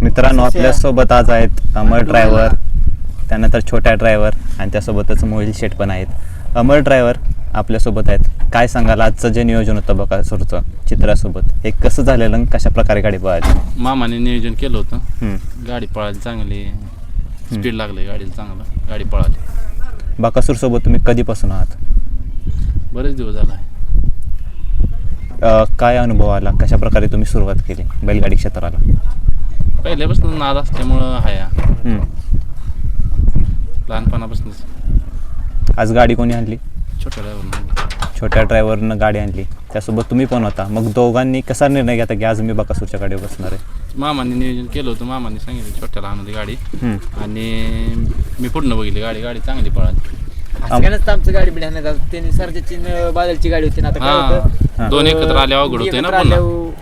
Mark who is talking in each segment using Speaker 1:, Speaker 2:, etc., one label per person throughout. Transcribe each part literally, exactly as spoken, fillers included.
Speaker 1: मित्रांनो आपल्यासोबत आज आहेत अमर ड्रायव्हर, त्यानंतर छोट्या ड्रायव्हर आणि त्यासोबतच मोहिल शेठ पण आहेत. अमर ड्रायव्हर आपल्यासोबत आहेत. काय सांगाल आजचं जे नियोजन होतं बकासूरचं चित्रासोबत, हे कसं झालेलं आणि कशा प्रकारे गाडी पळाली?
Speaker 2: मामाने नियोजन केलं होतं. गाडी पळाली चांगली, स्पीड लागली गाडीला चांगलं, गाडी पळाली.
Speaker 1: बकासूरसोबत तुम्ही कधीपासून आहात?
Speaker 2: बरेच दिवस झाला आहे.
Speaker 1: काय अनुभव आला, कशा प्रकारे तुम्ही सुरुवात केली बैलगाडी क्षेत्राला?
Speaker 2: पहिल्यापासून नाद असल्यामुळं हाया लहानपणापासूनच.
Speaker 1: आज गाडी कोणी आणली?
Speaker 2: छोट्या ड्रायव्हरनं.
Speaker 1: छोट्या ड्रायव्हरनं गाडी आणली, त्यासोबत तुम्ही पण होता. मग दोघांनी कसा निर्णय घेता की आज मी बकासूरच्या गाडीवर बसणार आहे?
Speaker 2: मामाने नियोजन केलं होतं. मामाने सांगितलं छोट्याला आणली गाडी आणि मी पूर्ण बघितली गाडी. गाडी चांगली पळाली.
Speaker 3: असं आमचं गाडी बिडी आणण्यात त्यांनी सरच्याची बादलची गाडी होती ना. आता काय होतं,
Speaker 2: दोन एकत्र आले अवघड होते ना. पुन्हा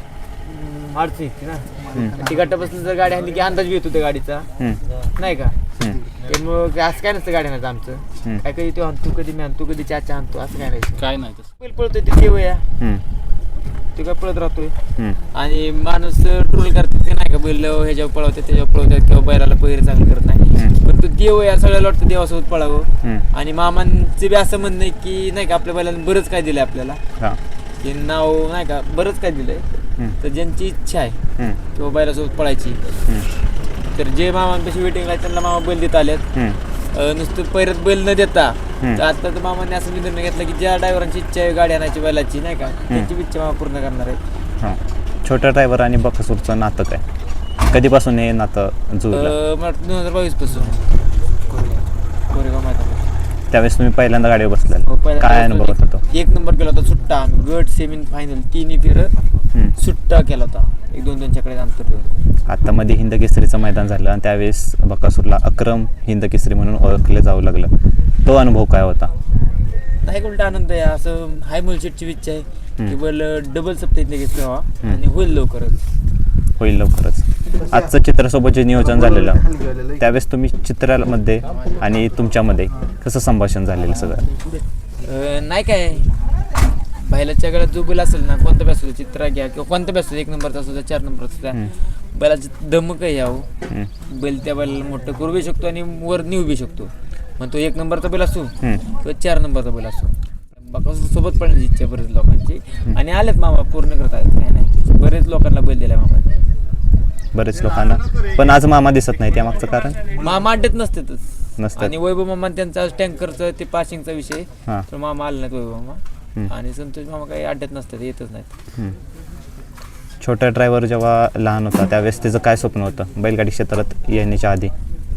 Speaker 3: अडचण येते ना. ती गटापासून जर गाडी आणली की अंदाज घेत होता गाडीचा, नाही का? मग असं काय नसतं गाडी आणत आमचं. काय कधी तू आणतो, कधी मी आणतो, कधी चाचा आणतो, असं काय नाही.
Speaker 2: काय नाही तसं.
Speaker 3: बैल पळतोय ते देव या, ते काय पळत राहतोय. आणि माणूस ट्रोल करते ते नाही का, बैल ह्याच्यावर पळवते त्याच्यावर पळवतात किंवा बैलाला पहिरे चांगलं करत नाही. पण तो देव या सगळ्याला वाटतं देवासोबत पळावं. आणि मामांचं बी असं म्हणणं आहे की नाही का, आपल्या बैलांना बरंच काय दिलंय आपल्याला, की नाव नाही का बरंच काय दिलंय. तर ज्यांची इच्छा आहे किंवा बैलासोबत पळायची, तर जे मामांपाशी वेटिंगला त्यांना मामा बैल देत आलेत. नुसतं पैरत बैल न देता तर आता तर मामांनी असं निर्णय घेतला की ज्या ड्रायव्हरांची इच्छा आहे गाडी आणायची बैलाची, नाही का, त्यांची इच्छा मामा पूर्ण करणार आहे.
Speaker 1: छोट्या ड्रायव्हर आणि बकासूरचं नातं काय, कधीपासून हे नातं जुळलं?
Speaker 3: दोन हजार बावीस पासून कोरेगाव मैदान.
Speaker 1: त्यावेळेस तुम्ही पहिल्यांदा गाडीवर बसलेला, काय अनुभव होता तो?
Speaker 3: एक नंबर केला होता सुट्टा. आम्ही गट सेमी फायनल तिन्ही फेर सुट्टा केला होता, एक दोन दोनच्या कडे अंतर.
Speaker 1: आता मध्ये हिंद केसरीचं मैदान झालं आणि त्यावेळेस बकासूरला अक्रम हिंद केसरी म्हणून ओळखले जाऊ लागलं. तो अनुभव काय होता?
Speaker 3: नाही, उलटा आनंद आहे. असं हाय मुलशेटची इच्छा आहे की बैल डबल सप्ताह घेतलं व्हावा आणि होईल लवकरच.
Speaker 1: होईल लवकरच. आजचं चित्रासोबत जे नियोजन झालेलं त्यावेळेस तुम्ही चित्रामध्ये आणि तुमच्यामध्ये कसं संभाषण झालेलं सगळं?
Speaker 3: नाही काय, बैलाच्या गळ्यात जो बैल असेल ना, कोणता बी असू चित्रा घ्या किंवा कोणता बी असू, एक नंबरचा असू चार नंबरचा असू द्या, बैलाचं धमक आहे यावं. बैल त्या बैलाला मोठं करू बी शकतो आणि वर नेऊ बी शकतो. मग तो एक नंबरचा बैल असो किंवा चार नंबरचा बैल असो. बकासूर सोबत पडण्याची इच्छा बरेच लोकांची आणि आलेत मामा पूर्ण करत आहेत. काय नाही, बरेच लोकांना बैल दिलाय मामाने,
Speaker 1: बरेच लोकांना. पण आज मामा दिसत नाही, त्यामागचं कारण?
Speaker 3: मामा अड्ड्यात नसतातच
Speaker 1: नसतं.
Speaker 3: आणि वैभव मामा त्यांचा टँकरचं ते पासिंगचा विषय, तर मामा आले नाहीत वैभव मामा. आणि संतोष मामा काही अड्ड्यात नसतात, येतच नाहीत.
Speaker 1: छोटा ड्रायव्हर जेव्हा लहान होता त्यावेळेस त्याचं काय स्वप्न होतं बैलगाडी क्षेत्रात येण्याच्या आधी?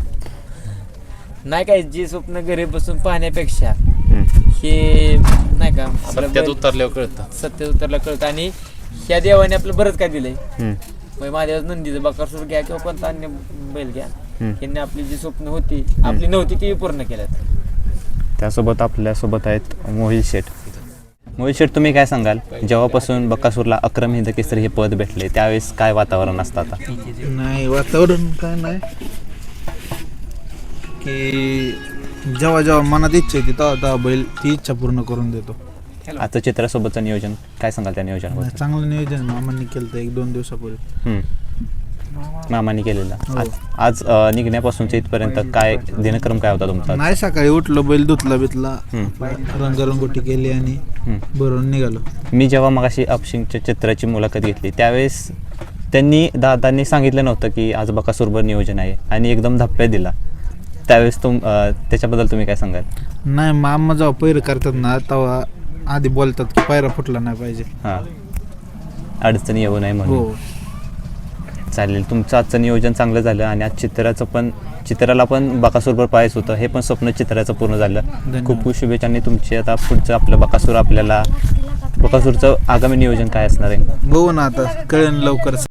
Speaker 3: नाही काय, जे स्वप्न घरी बसून पाहण्यापेक्षा हे नाही का
Speaker 2: सत्यात उतरल्यावर कळतं.
Speaker 3: सत्यात उतरल्या कळतं. आणि ह्या देवाने आपलं बरंच काय दिलंय. मग माझ्या नंदीचं बकासूर घ्या किंवा कोणता अन्य बैल घ्या, यांनी आपली जी स्वप्न होती आपली नव्हती ती पूर्ण केल्यात.
Speaker 1: त्यासोबत आपल्यासोबत आहेत मोहिल शेठ. मोहिल शेठ, तुम्ही काय सांगाल, जेव्हापासून बकासूरला अक्रम हिंद केसरी हे पद भेटले त्यावेळेस काय वातावरण असतं आता?
Speaker 4: नाही, वातावरण काय नाही, की जेव्हा जेव्हा मनात इच्छा येते तेव्हा तेव्हा बैल ती इच्छा पूर्ण करून देतो.
Speaker 1: आजचं चित्रासोबतचं नियोजन काय सांगाल त्या नियोजनाबद्दल?
Speaker 4: चांगलं नियोजन मामांनी केलं होतं एक दोन दिवसापूर्वी.
Speaker 1: मामाने केलेलं. आज आज निघण्यापासूनच्या इथपर्यंत काय दिनक्रम काय होता तुमचा?
Speaker 4: नाही, सकाळी उठलो, बैल धुतला बितला, रंगरंगोटी केली आणि भरून निघालो.
Speaker 1: मी जेव्हा मगाशी अपशिंगच्या चित्राची मुलाखत घेतली त्यावेळेस त्यांनी दादांनी सांगितलं नव्हतं की आज बकासूरवर नियोजन आहे आणि एकदम धप्प्या दिला. त्यावेळेस तुम त्याच्याबद्दल तुम्ही काय सांगाल?
Speaker 4: नाही, मामा जेव्हा पैर करतात ना तेव्हा आधी बोलतात की पायरा फुटला नाही पाहिजे,
Speaker 1: हां, अडचणी येऊ नये म्हणून.
Speaker 4: हो
Speaker 1: चालेल. तुमचं आजचं नियोजन चांगलं झालं आणि आज चित्राचं पण चित्राला पण बकासूरवर पाहायचं होतं, हे पण स्वप्न चित्राचं पूर्ण झालं. खूप खूप शुभेच्छा. आणि तुमची आता पुढचं आपलं बकासूर, आपल्याला बकासूरचं आगामी नियोजन काय असणार आहे?
Speaker 4: बघू ना, आता कळेल लवकर.